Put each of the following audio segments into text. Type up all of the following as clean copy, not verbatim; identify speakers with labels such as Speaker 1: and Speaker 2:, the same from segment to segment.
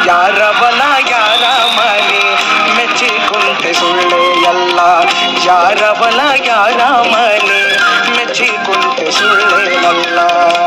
Speaker 1: ಯಾರವನ ಯಾರ ಮನೆ ಮೆಚ್ಚಿಕೊಂಡೆ ಸುಳ್ಳೆ ಎಲ್ಲ ಯಾರವನ ಯಾರ ಮನೆ ಮೆಚ್ಚಿಕೊಂಡೆ ಸುಳ್ಳೆನಲ್ಲ.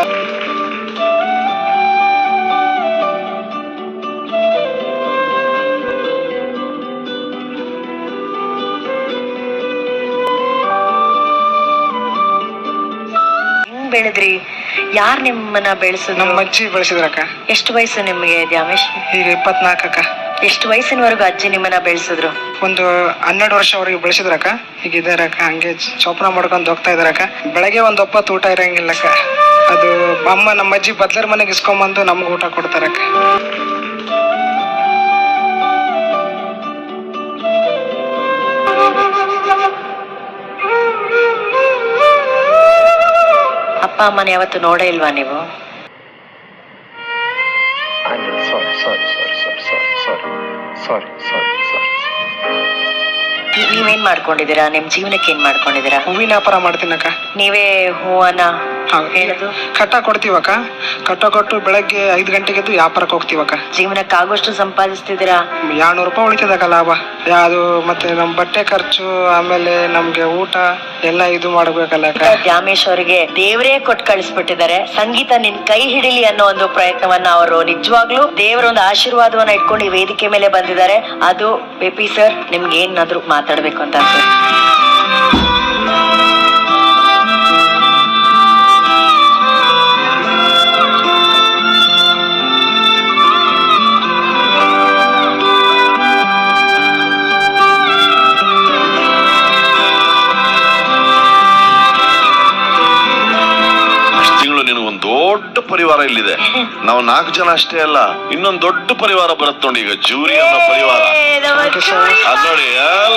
Speaker 2: ಬೆಳೆದ್ರಿ? ಯಾರ್ ನಿಮ್ಮನ್ನ ಬೆಳೆಸಿದ್ರು?
Speaker 1: ನಮ್ಮ ಅಜ್ಜಿ ಬೆಳೆಸಿದ್ರಕ್ಕ.
Speaker 2: ಎಷ್ಟು ವಯಸ್ಸು ನಿಮ್ಗೆ ದ್ಯಾಮೇಶ್?
Speaker 1: ಈಗ 24 ಅಕ್ಕ.
Speaker 2: ಎಷ್ಟು ವಯಸ್ಸಿನವರೆಗೂ ಅಜ್ಜಿ ನಿಮ್ಮನ್ನ ಬೆಳೆಸಿದ್ರು?
Speaker 1: ಒಂದು 12 ವರ್ಷವರೆಗೆ ಬೆಳೆಸಿದ್ರಕ್ಕ. ಈಗ ಇದಾರಕ್ಕ, ಹಂಗೆ ಚೋಪನ ಮಾಡ್ಕೊಂಡು ಹೋಗ್ತಾ ಇದಾರಕ್ಕ. ಬೆಳಗ್ಗೆ ಒಂದು ಒಪ್ಪತ್ತು ಊಟ ಇರಂಗಿಲ್ಲಕ್ಕ. ಅದು ಅಮ್ಮ ನಮ್ಮ ಅಜ್ಜಿ ಬದ್ಲರ್ ಮನೆಗೆ ಇಸ್ಕೊಂಬಂದು ನಮ್ಗೆ ಊಟ ಕೊಡ್ತಾರಕ್ಕ.
Speaker 2: ಅಪ್ಪ ಅಮ್ಮನ ಯಾವತ್ತು ನೋಡೇ ಇಲ್ವಾ ನೀವು? ನೀವೇನ್ ಮಾಡ್ಕೊಂಡಿದ್ದೀರಾ? ನಿಮ್ ಜೀವನಕ್ಕೆ ಏನ್ ಮಾಡ್ಕೊಂಡಿದ್ದೀರಾ?
Speaker 1: ಹೂವಿನ ವ್ಯಾಪಾರ ಮಾಡ್ತೀನಕ್ಕ.
Speaker 2: ನೀವೇ ಹೂವನ್ನ ಹೇಳುದು
Speaker 1: ಕಟ್ಟ ಕೊಡ್ತೀವಕ್ಕ. ಕಟ್ಟ ಕೊಟ್ಟು ಬೆಳಗ್ಗೆ 5 ಗಂಟೆಗೆ ಎದ್ದು ವ್ಯಾಪಾರಕ್ಕೆ ಹೋಗ್ತೀವಕ್ಕ.
Speaker 2: ಜೀವನಕ್ಕೆ ಆಗೋಷ್ಟು ಸಂಪಾದಿಸ್ತಿದ್ದೀರಾ?
Speaker 1: 200 ರೂಪಾಯಿ ಉಳಿತದಕ್ಕ ಲಾಭ. ಅದು ಮತ್ತೆ ನಮ್ ಬಟ್ಟೆ ಖರ್ಚು, ಆಮೇಲೆ ನಮ್ಗೆ ಊಟ ಎಲ್ಲ ಇದು ಮಾಡ್ಬೇಕಲ್ಲ.
Speaker 2: ದ್ಯಾಮೇಶ್ ಅವರಿಗೆ ದೇವರೇ ಕೊಟ್ಟು ಕಳಿಸ್ಬಿಟ್ಟಿದ್ದಾರೆ. ಸಂಗೀತ ನಿನ್ ಕೈ ಹಿಡಿಲಿ ಅನ್ನೋ ಒಂದು ಪ್ರಯತ್ನವನ್ನ ಅವರು ನಿಜವಾಗ್ಲೂ ದೇವರ ಒಂದು ಆಶೀರ್ವಾದವನ್ನ ಇಟ್ಕೊಂಡು ಈ ವೇದಿಕೆ ಮೇಲೆ ಬಂದಿದ್ದಾರೆ. ಅದು ಪೆಪಿ ಸರ್, ನಿಮ್ಗೆ ಏನಾದ್ರು ಮಾತಾಡ್ಬೇಕು ಅಂತ ಅನ್ಸುತ್ತೆ?
Speaker 3: ದೊಡ್ಡ ಪರಿವಾರ ಇಲ್ಲಿದೆ. ನಾವು 4 ಜನ ಅಷ್ಟೇ ಅಲ್ಲ, ಇನ್ನೊಂದು ದೊಡ್ಡ ಪರಿವಾರ ಬರುತ್ತೆ ನೋಡಿ. ಈಗ ಜೂರಿ ಅನ್ನೋ ಪರಿವಾರ ಅದ್ ನೋಡಿ,